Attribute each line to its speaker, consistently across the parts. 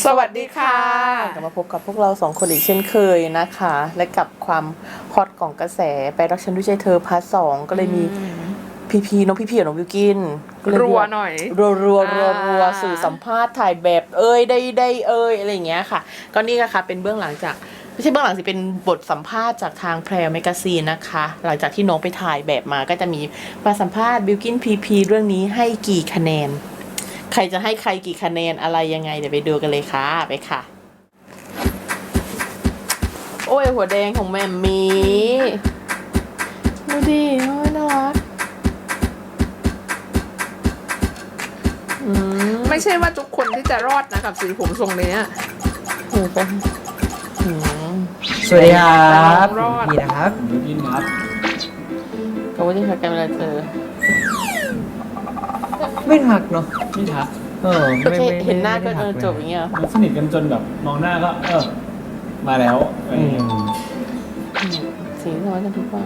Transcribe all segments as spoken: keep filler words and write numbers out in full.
Speaker 1: สวัสดีค่ะ
Speaker 2: กลับมาพบกับพวกเราสองคนอีกเช่นเคยนะคะ และกับความฮอตของกระแสไปรักฉันด้วยใจเธอพาร์ทสองก็เลยมีพีพีน้องพีพีกับน้องวิวกิน
Speaker 1: รัวหน่อย
Speaker 2: รัวรัวรัวรัวสื่อสัมภาษณ์ถ่ายแบบเอ้ยได้ได้เอ้ยอะไรอย่างเงี้ยค่ะก็นี่ค่ะเป็นเบื้องหลังจากไม่ใช่เบื้องหลังสิเป็นบทสัมภาษณ์จากทางแพรแมกกาซีนนะคะหลังจากที่น้องไปถ่ายแบบมาก็จะมีมาสัมภาษณ์บิวกินพีพีเรื่องนี้ให้กี่คะแนนใครจะให้ใครกี่คะแนนอะไรยังไงเดี๋ยวไปดูกันเลยค่ะไปค่ะโอ้ยหัวแดงของแม่มีดูดิโอ้ยน่ารัก
Speaker 1: ไม่ใช่ว่าทุกคนที่จะรอดนะกับสีผมทรงนี้
Speaker 2: โอ้ไป
Speaker 3: สวัสดีครับนี่นะครับ
Speaker 4: ยูกินครับ
Speaker 2: เขาว่าจะทักกันเวลาเจอ
Speaker 3: ไม่ทักเนาะ
Speaker 4: ไม่ทัก
Speaker 3: เออ
Speaker 2: ก็
Speaker 3: ไม่
Speaker 2: แค่
Speaker 3: ไม่
Speaker 2: เห็นหน้าก็
Speaker 3: ไม่
Speaker 2: เอ
Speaker 3: ทั
Speaker 2: อ
Speaker 3: ลย
Speaker 2: จบอย่างเงี้ย
Speaker 4: มันสนิทกันจนแบบมองหน้าก็เออมาแล้วอะไรอย่างเงี้ย
Speaker 2: สีทำไมกันทุกวัน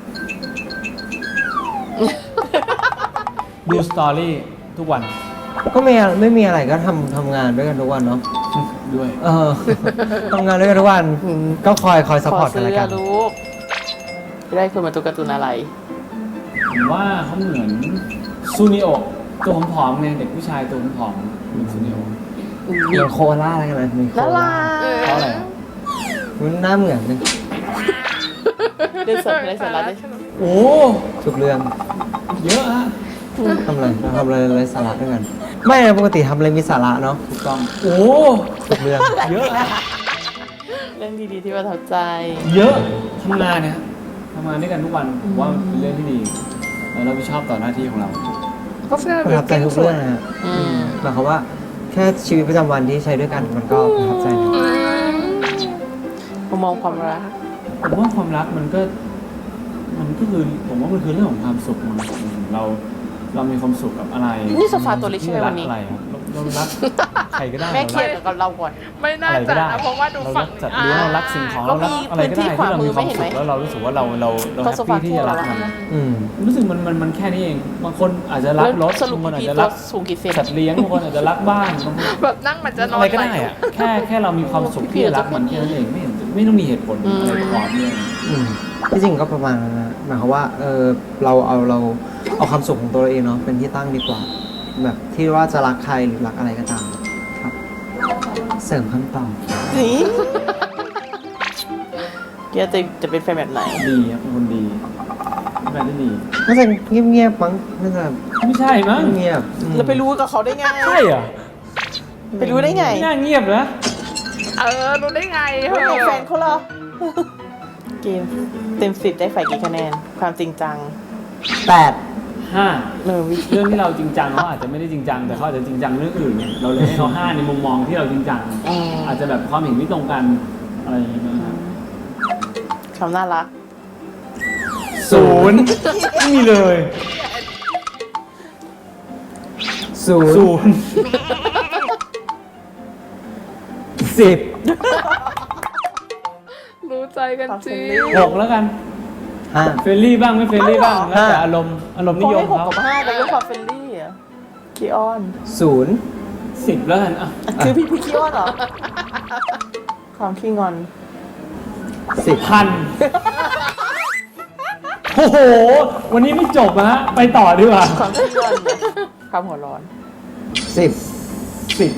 Speaker 4: ดูสตอรี่ทุกวัน
Speaker 3: ก็ไม่ไม่มีอะไรก็ทำทำงานด้วยกันทุกวันเนาะ
Speaker 4: ด้วย
Speaker 3: เออ ทำงานด้วยกันทุกวันก็คอยคอยซัพพอร์ตกัน
Speaker 2: ซื้
Speaker 3: ละ
Speaker 2: อ
Speaker 3: กัน
Speaker 2: ลูกได้คนมาตัวการ์ตูนอะไร
Speaker 4: ผมว่าเขาเหมือนซูนิโอตัวผอมๆเนี่ยเด็กผู้ชายตัวผอมๆเหมือนซูนิโอ
Speaker 3: เหมือนโคอาล่าอะไรกันนะมีโค
Speaker 2: น่า
Speaker 3: อา
Speaker 2: รั
Speaker 3: ล่าก
Speaker 4: เพราะอะไรอะ
Speaker 3: มันหน้าเหมือนกัน
Speaker 2: เรื่องสดอะไรสาระได้
Speaker 4: โอ้
Speaker 3: ทุกเรื่อง
Speaker 4: เยอะฮะ
Speaker 3: ทำอะไรเราทำอะไรอะไรสาระด้วยกัน ไม่นะปกติทำอะไรมีสาระเนาะ
Speaker 4: ถูกต้องโอ้
Speaker 3: ทุกเรื่อง
Speaker 4: เยอะฮะ
Speaker 2: เรื่องดีๆที่ประทับใจ
Speaker 4: เยอะทำงานเนี่ยทำงานด้วยกันทุกวันผมว่าเป็นเรื่องที่ดีแล้วเราไปชอบต่อหน้าที่ของเรา
Speaker 1: ก็เสื้อ
Speaker 3: ประทับใจทุกเรื่องนะฮะ
Speaker 2: อืม
Speaker 3: หมายความว่าแค่ชีวิตประจำวันที่ใช้ด้วยกันมันก็ประทับใจนะ
Speaker 2: ผมมองความรัก
Speaker 4: ผมว่าความรักมันก็ มันก็คือผมว่ามันคือเรื่องของความสุขมันเราเรามีความสุขกับอะไร
Speaker 2: นี่โซฟาตัวเล็กใช่ไหม
Speaker 4: ที่รั
Speaker 2: วันนี้
Speaker 4: อะไรครับเราเรารักใครก็ได้
Speaker 2: แม่เคลียร์กับเราก่อน
Speaker 1: ไม่น่า
Speaker 4: อะไร
Speaker 1: จะ
Speaker 4: ก็ได้
Speaker 1: นะเพราะว่าดู
Speaker 4: เรา
Speaker 1: ฝั่
Speaker 4: รั
Speaker 1: ง
Speaker 4: กจัดเลี้ยงเรารักสิ่งของ
Speaker 2: ก็
Speaker 4: เรารั
Speaker 2: มี
Speaker 4: กอะไรก็ได้
Speaker 2: พื้นที่
Speaker 4: ที่เรามีความ
Speaker 2: ขวามือไม่เห็นไหม
Speaker 4: สุขแล้วเรารู้สึกว่าเราเราเรา
Speaker 2: ก็
Speaker 4: แฮ
Speaker 2: โซ
Speaker 4: ป
Speaker 2: ฟา
Speaker 4: ปี้ที่จะรัก
Speaker 2: ทั่ว
Speaker 4: มัน
Speaker 2: แล้ว
Speaker 3: อืม
Speaker 4: รู้สึกมันมันมันแค่นี้เองบางคนอาจจะรักรถ
Speaker 2: สรุป
Speaker 4: บางคนอาจ
Speaker 2: พี่
Speaker 4: จะ
Speaker 2: ตั
Speaker 4: รั
Speaker 2: ว
Speaker 4: ก
Speaker 2: สูงกี่เซน
Speaker 4: สัตว์เลี้ยงบางคนอาจจะรักบ้านบางคน
Speaker 1: แบบนั่งมันจะนอน
Speaker 4: อะไรก็ได้อะแค่แค่เรามีความสุขที่จะรักมันแค่นั้นเองไม่เห็นไม่ต้องมีเหตุผลอะไรประกอบเลย
Speaker 3: อืมที่จริงก็ประมาณนั้นนะหมายความว่าเออเราเอาเราเอาความสุขของตัวเราเองเนาะเป็นที่ตั้งดีกว่า แบบที่ว่าจะรักใครหรือรักอะไรก็ตามครับ เสริมคำตอบ
Speaker 2: นี่เกียร์จะจะเป็นแฟนแบบไหน
Speaker 4: ดีครับเป็นคนดีเป็นแฟนที่ดี
Speaker 3: น่าจะเงียบๆมั้งน่าจะ
Speaker 4: ไม่ใช่มั้ง
Speaker 3: เงียบๆอืม
Speaker 2: เราไปรู้กับเขาได้ไง
Speaker 4: ใช่เหรอ
Speaker 2: ไปรู้ได้ไง
Speaker 4: ไม่น่าเงียบนะ
Speaker 1: เออรู้ได้ไงเห
Speaker 2: ไม่
Speaker 1: ร
Speaker 2: ไง
Speaker 1: อ
Speaker 2: แฟนเขาเหรอ เกมเต็มสิบได้ฝ่ายกี่คะแนน ความจริงจัง
Speaker 3: แปด
Speaker 4: ห้า
Speaker 2: เออวิ
Speaker 4: เรื่องที่เราจริงจังเขาอาจจะไม่ได้จริงจังแต่เขาอาจจะจริงจังเรื่องอื่นไงเราเลยให้เขาห้าในมุมมองที่เราจริงจัง
Speaker 2: อืม
Speaker 4: อาจจะแบบความเห็นไม่ตรงกันอะไรอย่างเงี้ยนะครับ
Speaker 2: ความน่ารัก
Speaker 4: ศูนย์ไม่มีเลย
Speaker 3: ศูนย์
Speaker 4: ศูนย์
Speaker 3: สิบ
Speaker 1: รู้ใจกันจริง
Speaker 4: หกแล้วกัน
Speaker 3: ห้า
Speaker 4: เฟรนลี่บ้างไม่เฟรนลี่บ้างแล้วแต่อารมณ์อารมณ์นิ
Speaker 2: เขา
Speaker 4: ยม
Speaker 2: ให้หก
Speaker 4: เขา
Speaker 2: กับห้าแต่เรื่องความเฟรนลี่อะคีออน
Speaker 3: ศูนย์
Speaker 4: สิบแล้วกันอ่ะ
Speaker 2: คือพี่พี่คีออนเหรอ ความขี้งอน
Speaker 3: สิบ
Speaker 4: พันโอ้โห วันนี้ไม่จบนะฮะไปต่อดีกว่า
Speaker 2: ความขี้งอนเนี่ยความหัวร้อน
Speaker 3: สิบ
Speaker 4: สิบ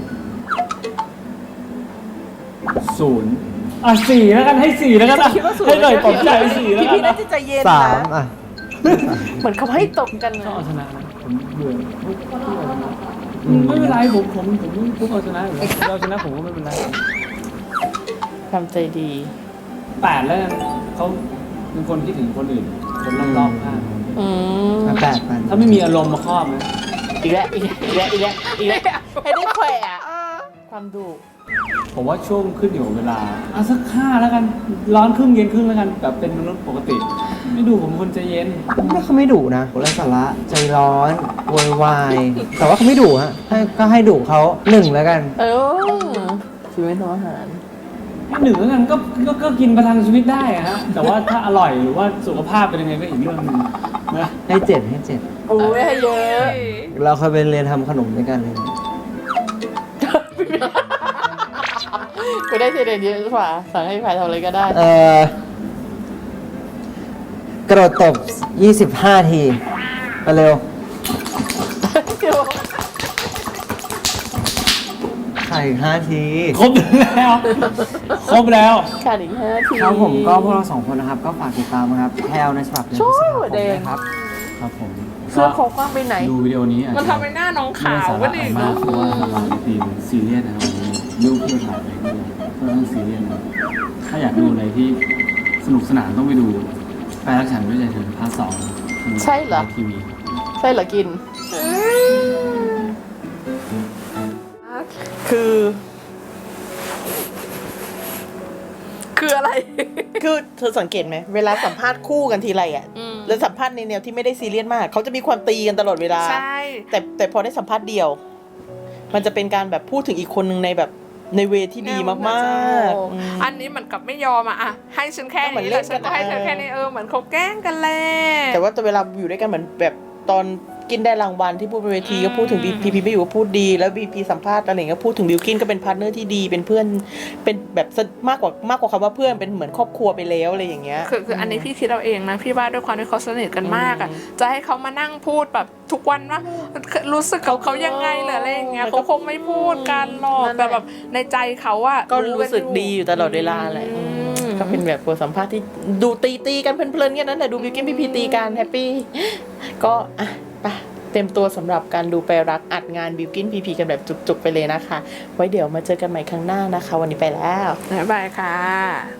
Speaker 4: ศูนย์อ่ะสี่แล้วกันให้สี่แล้วกันอ่ะ
Speaker 2: คิดว่าศูนย์
Speaker 4: ให้หน่อยปลอบใจสี่แล้ว
Speaker 2: พี่
Speaker 4: กั
Speaker 2: พี่
Speaker 4: น
Speaker 2: น่า
Speaker 4: นะ
Speaker 2: จะใจเย็น
Speaker 3: สาม
Speaker 2: นะ
Speaker 3: อ่ะ
Speaker 2: เหมือนเขาให้ตกกัน
Speaker 4: ต้อง
Speaker 2: นะ
Speaker 4: เอาชนะนะผมเบื่อทุกทุกเอาชนะอืมไม่เป็นไรผมผมผมทุกเอาชนะอยู่แล้วเราชนะผมก็ไม่เป็นไร
Speaker 2: ความใจดี
Speaker 4: แปดแล้วกันเขาเป็นคนคิดถึงคนอื่นคนรอบๆข้าง
Speaker 2: อืม
Speaker 3: อ่ะแปดแปด
Speaker 4: ถ้าไม่มีอารมณ์มาครอบนะ
Speaker 2: อีกแล้วอีกแล้วอีกแล้วอีกแล้วอีกแล้วให้ได้แขวะความดุ
Speaker 4: ผมว่าช่วงขึ้นอยู่กับเวลาอ่ะสักห้าแล้วกันร้อนครึ่งเย็นครึ่งแล้วกันแบบเป็นมนุษย์ปกติ ไม่ดูผมคนใจเย็น
Speaker 3: ไม่เขาไม่ดุนะไร้สาระใจร้อนโวยวายแต่ว่าเขาไม่ดุฮะให้ก็ให้ดุเขาหนึ่งแล้วกัน
Speaker 2: เออชีวิตของอาหาร
Speaker 4: ให้หนึ่งแล้วกันก็ก็ก็กินประทังชีวิตได้อะฮะแต่ว่าถ้าอร่อยหรือว่าสุขภาพเป็นยังไงก็อีกเรื่องหนึงนะ
Speaker 3: ให้เจ็ดให้เจ็ด
Speaker 2: โอ้ยให้เยอะ
Speaker 3: เราเคยไปเรียนทำขนมด้วยกันเลย
Speaker 2: กูได้เทเดนเยอะกว่าสั่งให้พายทำอะไรก็ได้
Speaker 3: เอ่อกระโดดตบยี่สิบห้าทีมาเร็วไข่ห้าที
Speaker 4: ครบแล้ว ครบแล้ว
Speaker 2: ขาดอีกห้าที
Speaker 3: ครับผมก็พวกเราสองคนนะครับ ก็ฝากติดตามนะครับแพลวในฉบับเดือนพฤษภาคม
Speaker 2: แดง
Speaker 3: นะครับ
Speaker 4: ครับผม
Speaker 2: เสื้อคอกว้างไปไหน
Speaker 4: ดูวิดีโอนี้อาจ
Speaker 1: มัน
Speaker 4: จะ
Speaker 1: ทำให้หน้าน้องขาว
Speaker 4: ไม่
Speaker 1: ก็
Speaker 4: ได้
Speaker 1: ดิ
Speaker 4: สาระอะไรมากเพราะว่าเราในทีมซีเรียสนะครับวันนี้ลูกเพื่อถ่ายไปด้วยก็ต้องซีเรียสนะครับถ้าอยากดูอะไรที่สนุกสนานต้องไปดูแปลรักฉันด้วยใจเธอพาร์ทสองทาง
Speaker 2: ใช่เหรอ
Speaker 4: ทีวี
Speaker 2: ใช่เหรอกิน คือ
Speaker 1: คืออะไร
Speaker 2: คือเธอสังเกตไหมเวลาสัมภาษณ์คู่กันทีไรอ่ะ
Speaker 1: อืม
Speaker 2: แล้วสัมภาษณ์ในแนวที่ไม่ได้ซีเรียสมาก เขาจะมีความตีกันตลอดเวลา
Speaker 1: ใช่
Speaker 2: แต่แต่พอได้สัมภาษณ์เดียว มันจะเป็นการแบบพูดถึงอีกคนหนึ่งในแบบในเวที่ดีมากๆอืม
Speaker 1: อันนี้เหมือนกับไม่ยอมอะอะให้ฉันแค่
Speaker 2: เหมือน
Speaker 1: นี้
Speaker 2: เล่
Speaker 1: แหละ
Speaker 2: น
Speaker 1: ฉันก็ให้เธอ
Speaker 2: กันอะ
Speaker 1: แค่นี้เออเหมือนเขาแกล้งกันแหละ
Speaker 2: แต่ว่าแต่เวลาอยู่ด้วยกันเหมือนแบบตอนกินได้รางวัลที่พูดบนเวทีก็พูดถึงพีพีไม่อยู่ก็พูดดีแล้วพีพีสัมภาษณ์อะไรอย่างเงี้ยก็พูดถึงบิวกินก็เป็นพาร์ทเนอร์ที่ดีเป็นเพื่อนเป็นแบบมากกว่ามากกว่าคำว่าเพื่อนเป็นเหมือนครอบครัวไปแล้วอะไรอย่างเงี้ย
Speaker 1: คือคืออันนี้พี่คิดเอาเองนะพี่ว่าด้วยความที่เขาสนิทกันมากอะ
Speaker 2: อืม
Speaker 1: จะให้เขามานั่งพูดแบบทุกวันว่ารู้สึกกับเขายังไงหรืออะไรอย่างเงี้ย
Speaker 2: มันก็
Speaker 1: เขาคงไม่พูดกันหรอก
Speaker 2: นั่นแหละ
Speaker 1: แต่แบบในใจเขาอะ
Speaker 2: ก็รู้สึกดีอยู่ตลอดเวลาแหละ
Speaker 1: อืม
Speaker 2: อืมก็เป็นแบบบทสัมภาษณ์ที่ดูตีตีกันเพลินๆกันนั่นแหละดูบิวกินพีพีตีกันแฮปปี้ก็อ่ะไปเต็มตัวสำหรับการดูแปลรักอัดงานบิวกินพีพีกันแบบจุกๆไปเลยนะคะ ไว้เดี๋ยวมาเจอกันใหม่ครั้งหน้านะคะ วันนี้ไปแล้ว
Speaker 1: บ๊ายบายค่ะ